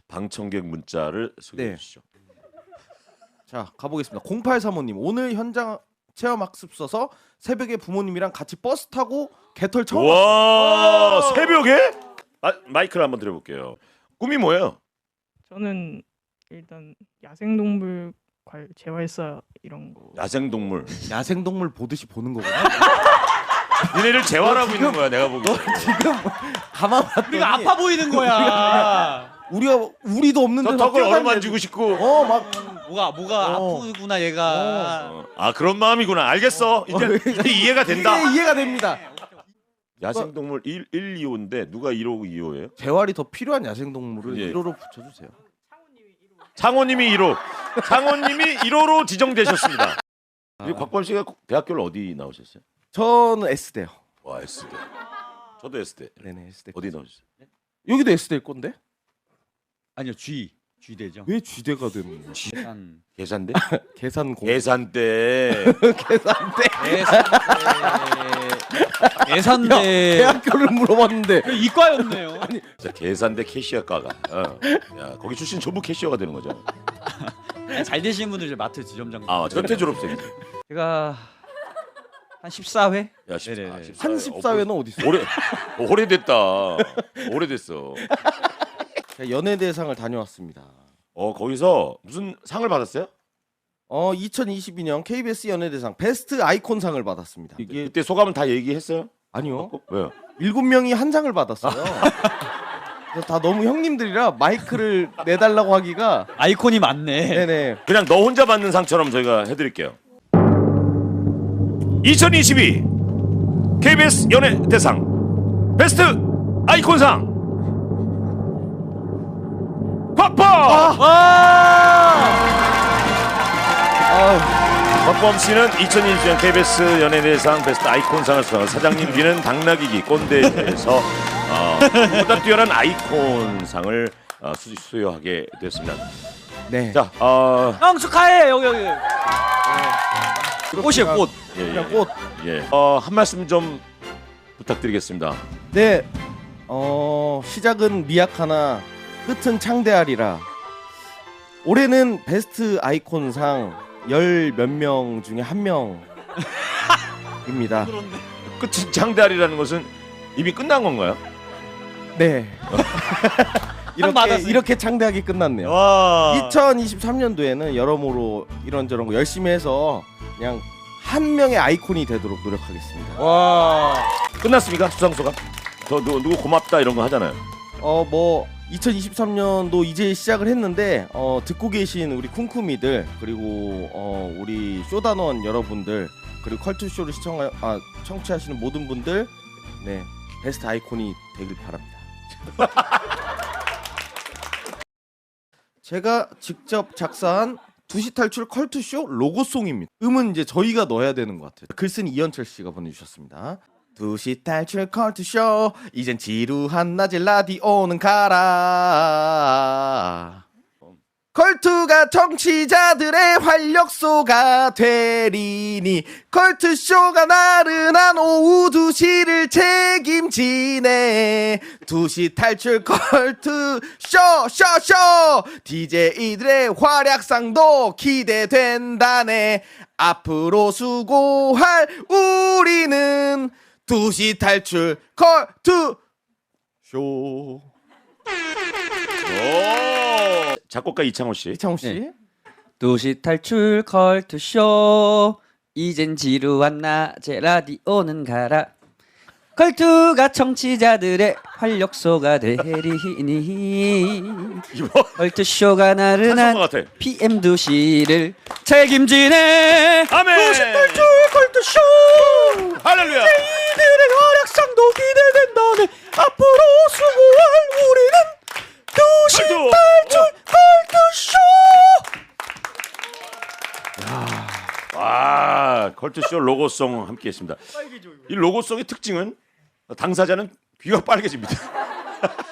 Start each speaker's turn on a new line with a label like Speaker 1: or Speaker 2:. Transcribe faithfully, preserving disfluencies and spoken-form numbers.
Speaker 1: 방청객 문자를 소개해
Speaker 2: 네.
Speaker 1: 주시죠.
Speaker 2: 자 가보겠습니다. 공팔삼오님 오늘 현장 체험학습 써서 새벽에 부모님이랑 같이 버스 타고 개털 처음
Speaker 1: 와
Speaker 2: 왔어요.
Speaker 1: 새벽에? 아, 마이크를 한번 드려볼게요. 꿈이 뭐예요?
Speaker 3: 저는 일단 야생동물 관 재활사 이런 거.
Speaker 1: 야생동물.
Speaker 2: 야생동물 보듯이 보는 거구나.
Speaker 1: 니네를 재활하고 있는 거야 내가 보기.
Speaker 2: 지금 가만 봤더니
Speaker 4: 우리가 아파 보이는 거야.
Speaker 2: 우리가 우리도 없는데
Speaker 1: 저 덕을 어루만지고 싶고.
Speaker 2: 어막
Speaker 4: 뭐가 뭐가
Speaker 2: 어.
Speaker 4: 아프구나 얘가.
Speaker 1: 어, 아 그런 마음이구나. 알겠어. 이제, 이제 이해가 된다.
Speaker 2: 이해, 이해가 됩니다.
Speaker 1: 야생동물 일, 일, 이 호인데 누가 일 호, 이 호예요?
Speaker 2: 재활이 더 필요한 야생동물을
Speaker 1: 예.
Speaker 2: 일 호로 붙여주세요.
Speaker 1: 창호님이 일 호. 창호님이 일 호로 지정되셨습니다. 우리 곽범 씨가 대학교를 어디 나오셨어요?
Speaker 2: 저는 S대요.
Speaker 1: 와 S대. 저도 S대.
Speaker 2: 네네 S대.
Speaker 1: 어디 나오셨어요?
Speaker 2: 여기도 S대일 건데?
Speaker 4: 아니요 G G대죠.
Speaker 2: 왜 G대가 되는 거야?
Speaker 4: 계산
Speaker 1: 계산대?
Speaker 2: 계산공.
Speaker 1: 계산대.
Speaker 2: 계산대.
Speaker 4: 계산대.
Speaker 2: 대학교를 물어봤는데
Speaker 4: 이과였네요.
Speaker 1: 진짜 계산대 캐시어과가. 어. 야 거기 출신 전부 캐시어가 되는 거죠.
Speaker 4: 잘 되시는 분들 이제 마트 지점장.
Speaker 1: 아 전태 졸업생이지.
Speaker 4: 제가 한 십사 회?
Speaker 1: 야 십,
Speaker 4: 네네네.
Speaker 1: 아, 십사
Speaker 2: 한
Speaker 1: 회.
Speaker 2: 십사 회는 어디 있어?
Speaker 1: 오래 어, 오래됐다. 오래됐어.
Speaker 2: 연예대상을 다녀왔습니다.
Speaker 1: 어 거기서 무슨 상을 받았어요?
Speaker 2: 어 이천이십이 년 케이비에스 연예대상 베스트 아이콘상을 받았습니다. 이게
Speaker 1: 그때 소감은 다 얘기했어요?
Speaker 2: 아니요.
Speaker 1: 왜요?
Speaker 2: 일곱 명이 한 장을 받았어요. 그래서 다 너무 형님들이라 마이크를 내달라고 하기가
Speaker 4: 아이콘이 많네.
Speaker 2: 네네.
Speaker 1: 그냥 너 혼자 받는 상처럼 저희가 해드릴게요. 이천이십이 케이비에스 연예대상 베스트 아이콘상 곽범!
Speaker 2: 아,
Speaker 1: 곽범 씨는 이천이십 년 케이비에스 연예대상 베스트 아이콘상을 수상한 사장님 귀는 당나귀기 꼰대에서 어, 보다 뛰어난 아이콘상을 어, 수, 수여하게 됐습니다.
Speaker 2: 네.
Speaker 1: 자, 어,
Speaker 4: 형 축하해 여기 여기. 꽃이에요 꽃.
Speaker 1: 예,
Speaker 2: 그냥
Speaker 1: 예,
Speaker 2: 꽃.
Speaker 1: 예. 어, 한 말씀 좀 부탁드리겠습니다.
Speaker 2: 네. 어 시작은 미약하나 끝은 창대하리라. 올해는 베스트 아이콘상 열 몇 명 중에 한 명입니다.
Speaker 1: 끝은 장대아리라는 것은 이미 끝난 건가요?
Speaker 2: 네. 이렇게
Speaker 4: 받았어요.
Speaker 2: 이렇게 창대하게 끝났네요.
Speaker 4: 와.
Speaker 2: 이천이십삼 년도에는 여러모로 이런저런 거 열심히 해서 그냥 한 명의 아이콘이 되도록 노력하겠습니다.
Speaker 4: 와.
Speaker 1: 끝났습니까? 수상소감? 저 누구, 누구 고맙다 이런 거 하잖아요.
Speaker 2: 어 뭐 이천이십삼 년도 이제 시작을 했는데 어 듣고 계신 우리 쿵쿠미들 그리고 어 우리 쇼단원 여러분들 그리고 컬투쇼를 시청 아 청취하시는 모든 분들 네 베스트 아이콘이 되길 바랍니다. 제가 직접 작사한 두시 탈출 컬투쇼 로고송입니다. 음은 이제 저희가 넣어야 되는 것 같아요. 글쓴이 이현철 씨가 보내주셨습니다. 두시 탈출 컬투쇼 이젠 지루한 낮에 라디오는 가라. 컬투가 청취자들의 활력소가 되리니 컬투쇼가 나른한 오후 두 시를 책임지네. 두 시 탈출 컬투쇼 쇼쇼 디제이들의 활약상도 기대된다네. 앞으로 수고할 우리는 두 시 탈출 컬투쇼.
Speaker 1: 오. 작곡가 이창호 씨.
Speaker 2: 이창호 씨.
Speaker 4: 네. 도시 탈출 컬투쇼 이젠 지루한 낮에 라디오는 가라. 컬투가 청취자들의 활력소가 되리니
Speaker 1: 이거
Speaker 4: 컬투쇼가
Speaker 1: 찬송가
Speaker 4: 나른한
Speaker 1: 같아.
Speaker 4: 피엠 두 시를 책임지네.
Speaker 1: 아멘.
Speaker 4: 도시 탈출 컬투쇼
Speaker 1: 할렐루야.
Speaker 4: 이들의 활약상도 기대된다네. 앞으로 수고할 우리는 도시
Speaker 1: 컬투.
Speaker 4: 탈출 컬투쇼.
Speaker 1: 와, 컬투쇼 로고송 함께했습니다. 이 로고송의 특징은 당사자는 귀가 빨개집니다.